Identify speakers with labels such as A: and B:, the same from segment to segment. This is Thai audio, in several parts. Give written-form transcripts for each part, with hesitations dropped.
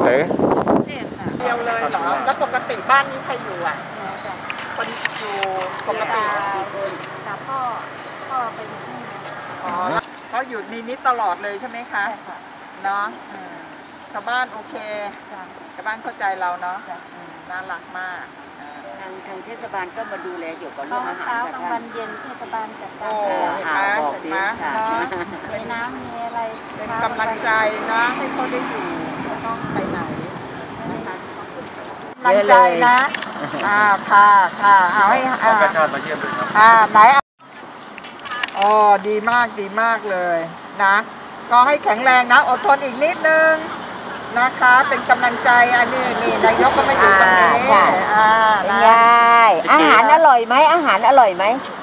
A: ไหน
B: เดียวเลยเหรอแล้วปกติบ้านนี้ใครอยู่อ่ะคนอยู่ปกติ
C: กับพ่อไปอยู่ที่นี่
B: อ๋อเขาอยู่ในนี้ตลอดเลยใช่ไหมคะเนาะชาวบ้านโอเคชาวบ้านเข้าใจเราเนาะน่ารักมาก
C: ทางเทศบาลก็มาดูแลเกี่ยวกับเรื่องอาหารเช้ากลางวันเย็นเทศบาลจัดการ
B: บอกสิ
C: มีน้ำมีอะไร
B: เป็นกำลังใจนะให้เขาได้อยู่ไม่ต้องไปไหนนะคะกำลังใจนะค่ะเอาให้
A: กระชากมาเยี่ยมเลยครับ
B: ไหนอ๋อดีมากเลยนะก็ให้แข็งแรงนะอดทนอีกนิดนึงนะคะเป็นกำลังใจอันนี้นายกก็ไม่อยู่ตรงนี้
C: ยายอาหารอร่อยไหมอาหารอร่อยไหม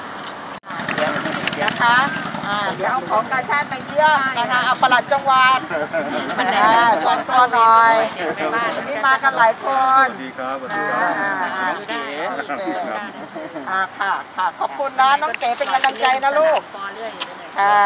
B: นะคะเดี๋ยวเอาของกาชาติไปเยี่ยมนะคะเอาปลัดจังหวัดชวนตัวหน่อยวันนี้มากันหลายคน
A: ดีครับ
B: ค่ะขอบคุณนะน้องเก๋เป็นกำลังใจนะลูกค่ะ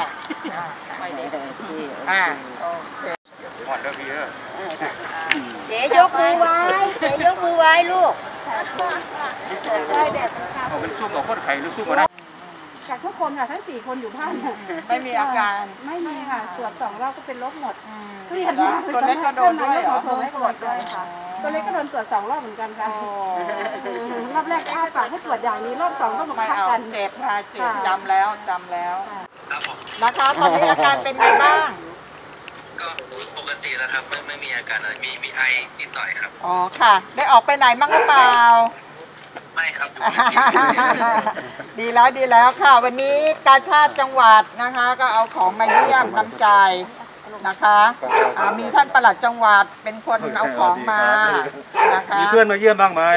B: โอเค
A: หมดแล้วพี่
C: เจ๊ยกมือไว้ลูก
A: ได้แบบเอาเป็นซุ่มกับคนไข่หรือซุ่มกับได้
D: จากทุกคนค่ะทั้ง4 คนอยู่บ้าน
B: ไม่มีอาการ
D: ไม่มีค่ะตรวจ2 รอบก็เป็นลบหมด
B: เครียดมากตัวเล็กก็โดนด้วยเหรอ
D: ตัวเล็กก็โดนด้วยค่ะตัวเล็กก็โดนตรวจ2 รอบเหมือนกันค่ะรอบแรกอ้าปากให้ตรวจอย่างนี้รอบ2ก็มาพักกัน
B: เจ็บจำแล้วนะคะตอนนี้อาการเป็นไงบ้าง
E: ก็ปกติแล้วครับไม่มีอาการอะไรมีไอนิดหน่อยครับ
B: อ๋อค่ะได้ออกไปไหนมั่งหรือเปล่า
E: ไม่ครับ
B: ดีแล้วค่ะวันนี้กาชาติจังหวัดนะคะก็เอาของมาเยี่ยมน้ำใจนะคะมีท่านปลัดจังหวัดเป็นคนเอาของมานะคะ
A: มีเพื่อนมาเยี่ยมบ้างไหม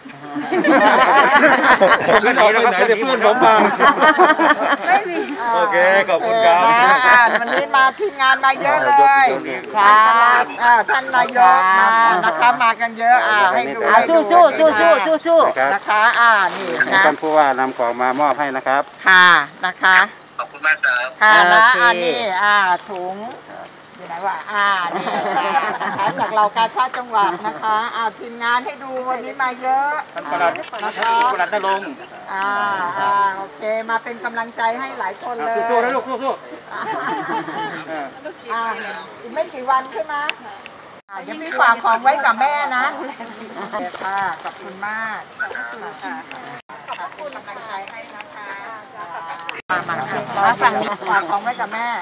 A: ผมไม่ออกไปไหนแต่เพื่อนผมมา
B: ไม่มี
A: โอเคขอบคุณครับ
B: วันนี้มาทีมงานมาเยอะเลยครับท่านนายกมานะคะมากันเยอะให้ดู
C: สู้
B: นะคะนี่นะ
A: ท่านผู้ว่านำของมามอบให้นะครับ
B: ค่ะนะคะ
E: ขอบคุณมากครับ
B: ค่ะนะนี่ถุงอยู่ไหนวะนี่จากเรากาชาติจังหวัดนะคะทีมงานให้ดูวันนี้มาเยอะ
A: ท่านประหลัด
B: นะคะ
A: ประหลัดนรงค์
B: โอเคมาเป็นกำลังใจให้หลายคนเลย
A: สู้ๆนะลูกสู้
B: อีกไม่กี่วันใช่ไหมเดี๋ยวพี่ฝากของไว้กับแม่นะค่ะขอบคุณมากขอบคุณกำลังใจให้นะคะมาฝั่งนี้ฝากของไว้กับแม่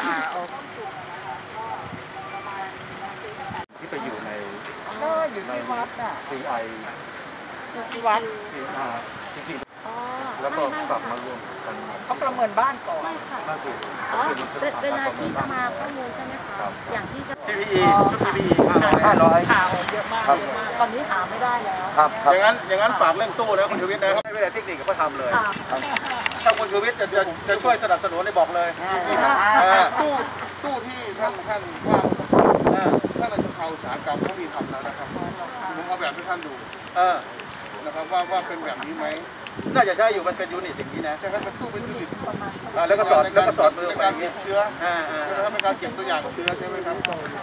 A: ที่ไปอยู่ใน
B: อยู่ที่วัด
A: CI
B: อยู่ที่วัด
A: จริงๆแล้วก็กลับมารวมกัน
B: เขาประเมินบ้านก่อน
C: ไม่ค่ะเวลาที่จะมาข้อมูลใช่ไหมคะอย่างที่จะ
A: PPE ชุด PPE
B: ข่าวเยอะมากตอนนี้หาไม่ได้แล้ว
A: อย่างนั้นฝากเรื่องตู้นะคุณชูวิทย์นะไม่ได้เทคนิคก็ทำเลยถ้าคุณชูวิทย์จะช่วยสนับสนุนได้บอกเลย
F: ตู้ที่ท่านว่าท่านในสภาอุตสาหกรรมเขามีทำแล้วนะครับผมเอาแบบให้ท่านดูนะครับว่าเป็นแบบนี้ไหม
A: น่าจะใช่อยู่มันเป็นยูนิตอย่างนี้นะ
F: ใช่ครับเป็นตู้เป็นยูนิต
A: แล้วก็สอดมือ
F: ในการเก็บเชื้อในการเก็บตัวอย่างเชื้อใช่ไหมครับ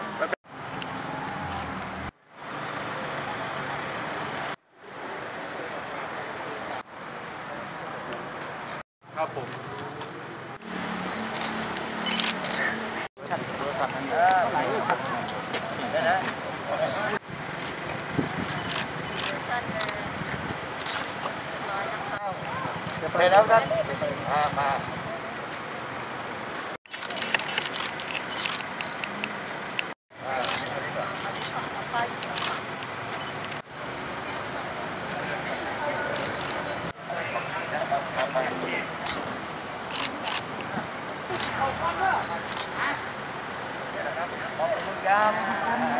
A: ครับผมไปแล้วครับมา
B: ขอบคุณครับ